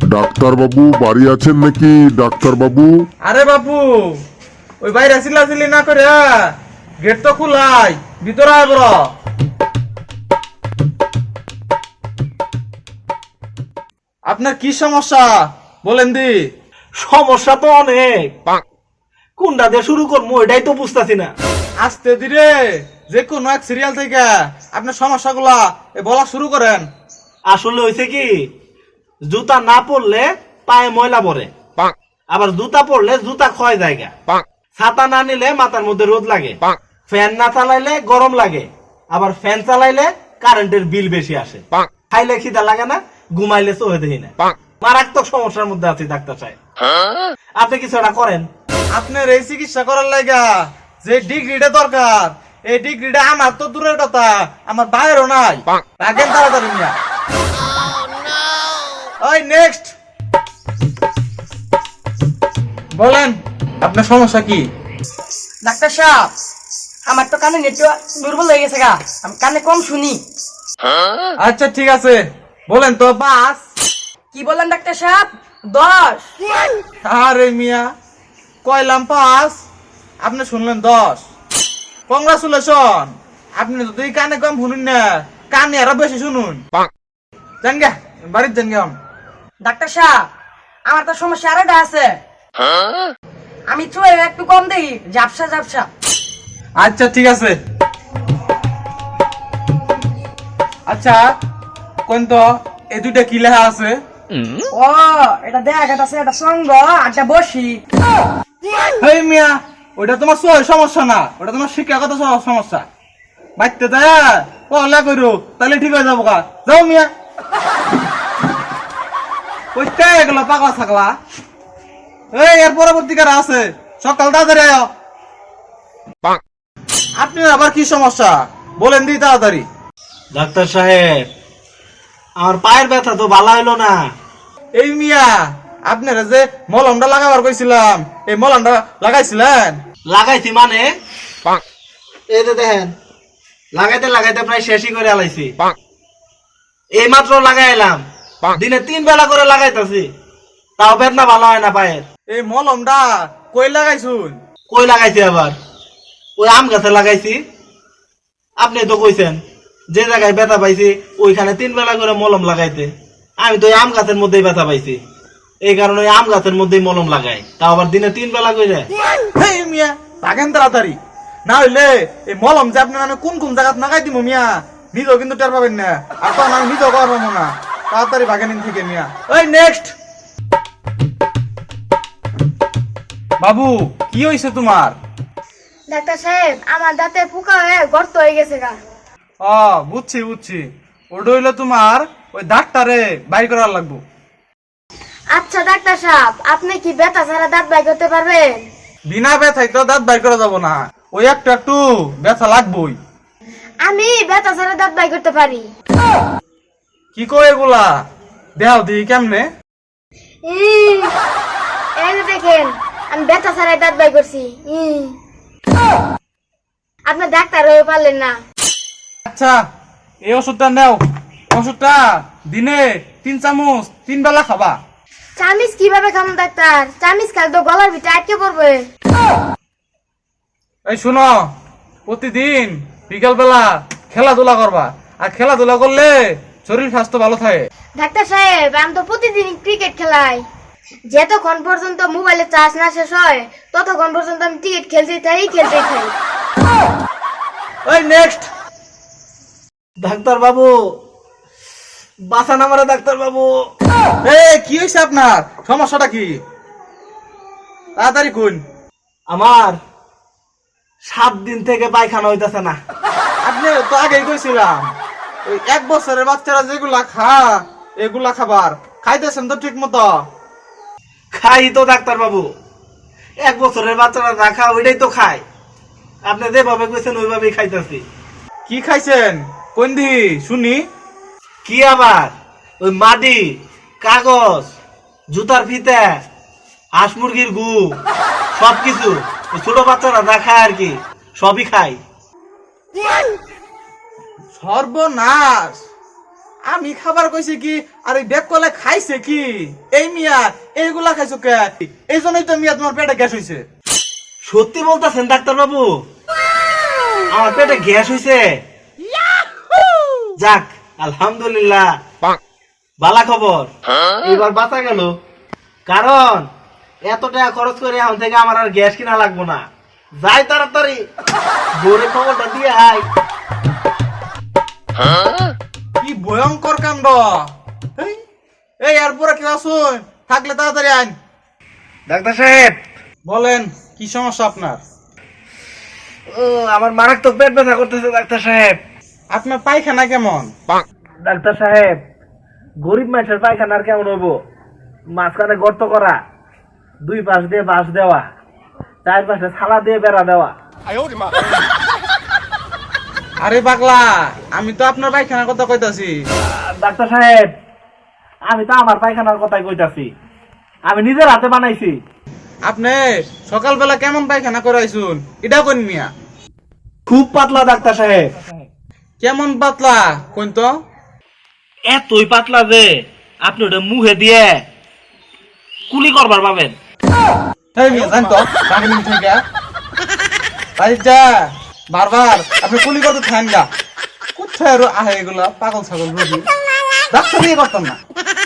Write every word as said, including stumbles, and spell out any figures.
Doctor বাবু বাড়ি আছেন নাকি? ডাক্তার বাবু, আরে বাপু, ওই বাইরে চিল্লাচিল্লি না করে গেট তো খোলাই, ভিতরে আয় বড়। আপনার কি সমস্যা বলেন দি? সমস্যা তো অনেক, কোনটা দিয়ে শুরু করবো এটাই তো বুঝতেছি না। আস্তে ধীরে যে কোনো এক সিরিয়াল থেকে আপনার সমস্যাগুলা এ বলা শুরু করেন। আসলে হয়েছে কি, জুতা না পরলে পায়ে ময়লা পড়ে, আবার জুতা পরলে জুতা ক্ষয় জায়গা, ছাতা না নিলে মাথার মধ্যে রোদ লাগে, ফ্যান না চালাইলে গরম লাগে, আবার ফ্যান চালাইলে কারেন্টের বিল বেশি আসে, খাইলে খিদা লাগে না, ঘুমাইলে চোখে দেখি না। মারাত্মক সমস্যার মধ্যে আছি ডাক্তার সাহেব, আপনি কিছু একটা করেন। আপনার এই চিকিৎসা করার লাগা যে ডিগ্রিটা দরকার, এই ডিগ্রিটা আমার তো দূরের কথা, আমার বাইরেও নাই। রাখেন তাড়াতাড়ি মিয়া। ওই নেক্সট বলেন আপনার সমস্যা কি? ডাক্তার সাহেব, আমার তো কানে নেটওয়ার্ক দুর্বল হয়ে গেছে গা, আমি কানে কম শুনি। আচ্ছা ঠিক আছে, বলেন তো বাস। কি বললেন ডাক্তার সাহেব? দশ? আরে মিয়া, কয়লাম পাস, আপনি শুনলেন দশ। কংগ্রাচুলেশন, আপনি যদি কানে কম শুনুন না, কানে আরো বেশি শুনুন। জান গে বাড়ির যান গে। ডাক্তার সাহেব, আমার তো সমস্যা আরেকটা আছে, আমি তো একটু কম দেখি, ঝাপসা ঝাপসা। আচ্ছা ঠিক আছে। আচ্ছা কোন তো এই দুইটা কি লেখা আছে? ও, এটা দেখ, এটা আছে, এটা সঙ্গ, আটটা বসি। হেই মিয়া, ওটা তোমার সই সমস্যা না, ওটা তোমার শিক্ষাগত স- সমস্যা। বাইতে দেয় পড়ালেখা করো, তাহলে ঠিক হয়ে যাবো। গা যাও মিয়া। ওইটা এগুলো পাগলা থাকলা। এই এর পরবর্তীকার আছে, সকাল তাড়াতাড়ি আয়। আপনি আবার কি সমস্যা বলেন দি তাড়াতাড়ি। ডাক্তার সাহেব, আমার পায়ের ব্যথা তো ভালো হইলো না। এই মিয়া, আপনারা যে মলমটা লাগাবার কইছিলাম, এই মলমটা লাগাইছিলেন? লাগাইছি মানে, এই যে দেখেন, লাগাইতে লাগাইতে প্রায় শেষই করে আলাইছি। এই মাত্র লাগাই এলাম, দিনে তিন বেলা করে লাগাইতেছি, তাও বেদনা ভালো হয় না পায়ের। এই মলমটা কই লাগাইছুন? কই লাগাইছি আবার? ওই আম গাছে লাগাইছি। আপনি তো কইছেন যে জায়গায় ব্যথা পাইছি ওইখানে তিন বেলা করে মলম লাগাইতে, আমি তো ওই আম গাছের মধ্যেই ব্যথা পাইছি, এই কারণে ওই আম গাছের মধ্যেই মলম লাগাই, তাও আবার দিনে তিন বেলা করে। হেই মিয়া, থাকেন তাড়াতাড়ি, না হইলে এই মলম যে আপনার আমি কোন কোন জায়গায় নাগাই দিব মিয়া, নিজেও কিন্তু টের পাবেন না, আর তখন আমি নিজেও করার পাবো না। তাড়াতাড়ি ভাগেন ইন থেকে মিয়া। ওই নেক্সট। বাবু কি হয়েছে তোমার? ডাক্তার সাহেব, আমার দাঁতে পোকা হয়ে গর্ত হয়ে গেছে গা। ও বুঝছি বুঝছি, ওটা হইলো তোমার ওই দাঁতটারে বাইর করার লাগবো। আচ্ছা ডাক্তার সাহেব, আপনি কি ব্যথা ছাড়া দাঁত বাই করতে পারবেন? বিনা ব্যথায় তো দাঁত বাইর করা যাবো না, ওই একটু একটু ব্যথা লাগবোই। আমি ব্যথা ছাড়া দাঁত বাই করতে পারি। কি কই এগুলা? দেখাও দিই কেমনে। ইহ, এই যে দেখেন, আমি ব্যথা ছাড়াই দাঁত বাই করছি। ইহ। আপনি ডাক্তার হয়ে পারলেন না। আচ্ছা এই ওষুধটা নাও, ওষুধটা দিনে তিন চামচ তিন বেলা খাবা। চামিচ কিভাবে খাম ডাক্তার? চামিচ খালে তো গলার ভিতরে আটকে পড়বে। এই শুনো, প্রতিদিন বিকাল বেলা খেলাধুলা করবা, আর খেলাধুলা করলে শরীর স্বাস্থ্য ভালো থাকে। ডাক্তার সাহেব, আমি তো প্রতিদিন ক্রিকেট খেলাই, যতক্ষণ পর্যন্ত মোবাইলে চার্জ না শেষ হয় ততক্ষণ পর্যন্ত আমি ক্রিকেট খেলতেই থাকি খেলতেই থাকি। ওই নেক্সট। ডাক্তার বাবু বাঁচান আমারে, ডাক্তার বাবু। এই কি হয়েছে আপনার? সমস্যাটা কি? তাড়াতাড়ি কোন। আমার সাত দিন থেকে পায়খানা হইতেছে না। আপনি তো আগেই কইছিলাম, ওই এক বছরের বাচ্চারা যেগুলা খা এগুলা খাবার খাইতেছেন তো ঠিক মতো? খাই তো ডাক্তার বাবু, এক বছরের বাচ্চারা না খা ওইটাই তো খায়, আপনি যেভাবে কইছেন ওইভাবেই খাইতেছি। কি খাইছেন কোন দি শুনি? কি আবার ওই মাটি, কাগজ, জুতার ফিতা, হাঁস মুরগির গু, সবকিছু ছোট বাচ্চারা না খায় আর কি, সবই খাই। সর্বনাশ, আমি খাবার কইছি কি আর এই বেক কলে খাইছে কি এই মিয়া এইগুলা খাইছো কে এই জন্যই তো মিয়া তোমার পেটে গ্যাস হইছে সত্যি বলতেছেন ডাক্তার বাবু আমার পেটে গ্যাস হইছে যাক আলহামদুলিল্লাহ ভালো খবর এবার বাঁচা গেল কারণ এত টাকা খরচ করে এখন থেকে আমার আর গ্যাস কিনা লাগবো না যাই তাড়াতাড়ি বরে খবরটা দিয়ে আয় কি ভয়ঙ্কর কাণ্ড এই, এই এরপরে কেউ আসুন থাকলে তাড়াতাড়ি আইন ডাক্তার সাহেব বলেন কি সমস্যা আপনার ও আমার মারাত্মক পেট ব্যথা করতেছে ডাক্তার সাহেব আপনার পায়খানা কেমন ডাক্তার সাহেব গরিব মানুষের পায়খানার কেমন হবো মাঝখানে গর্ত করা দুই পাশ দিয়ে বাঁশ দেওয়া চার পাশে থালা দিয়ে বেড়া দেওয়া আরে পাগলা আমি তো আপনার পায়খানার কথা কইতাছি ডাক্তার সাহেব আমি তো আমার পায়খানার কথাই কইতাছি আমি নিজের হাতে বানাইছি আপনি সকালবেলা কেমন পায়খানা করাইছুন এটা কোন মিয়া খুব পাতলা ডাক্তার সাহেব কেমন পাতলা কোন তো এতই পাতলা যে আপনি ওটা মুখে দিয়ে কুলি করবার পাবেন তাই মিয়া জান তো বাংলিং থেকে বাড়ির যা বারবার আপনি কুলি করতে থাকেন গা কোথায় আরো আহে এগুলা পাগল ছাগল রোগী ডাক্তার দিয়ে করতাম না